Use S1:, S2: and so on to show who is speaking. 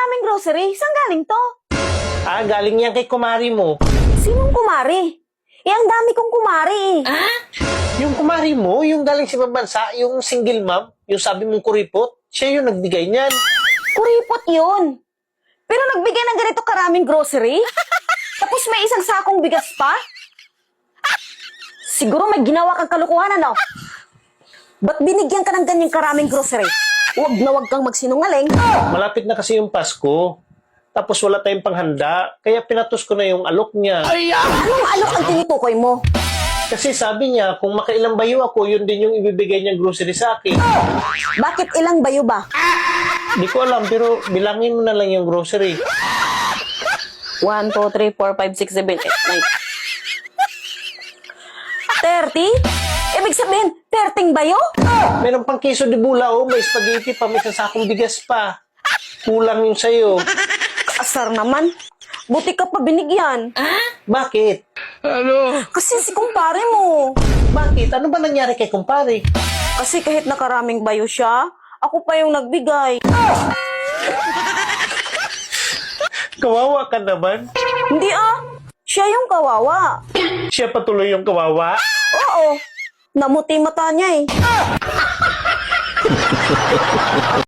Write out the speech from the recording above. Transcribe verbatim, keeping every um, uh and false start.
S1: karaming grocery. Saan galing to?
S2: Ah, galing yan kay kumari mo.
S1: Sinong kumari? Eh, ang dami kong kumari eh.
S2: Yung kumari mo, yung galing sa ibang bansa, yung single mom, yung sabi mong kuripot, siya yung nagbigay niyan.
S1: Kuripot yun. Pero nagbigay ng ganito karaming grocery? Tapos may isang sakong bigas pa? Siguro may ginawa kang kalukuhan, ano? Ba't binigyan ka ng ganyang karaming grocery? Huwag na huwag kang magsinungaling.
S2: Malapit na kasi yung Pasko. Tapos wala tayong panghanda, kaya pinatos ko na yung alok niya.
S1: Anong alok ang tinutukoy mo?
S2: Kasi sabi niya, kung makailang bayo ako, yun din yung ibibigay niyang grocery sa akin.
S1: Bakit ilang bayo ba?
S2: Di ko alam, pero bilangin mo na lang yung grocery.
S1: one, two, three, four, five, six, seven, eight, nine. thirty? Ibig sabihin, thirty bayo?
S2: Meron pang keso de bulao, may spaghetti pa, may sasakong bigas pa. Kulang yung sayo.
S1: Asar naman. Buti ka pa binigyan.
S2: Bakit?
S1: Kasi si kumpare mo.
S2: Bakit? Ano ba nangyari kay kumpare?
S1: Kasi kahit nakaraming bayo siya, ako pa yung nagbigay.
S2: Kawawa ka naman.
S1: Hindi ah, siya yung kawawa.
S2: Siya patuloy yung kawawa.
S1: Oo, namuti mata niya eh.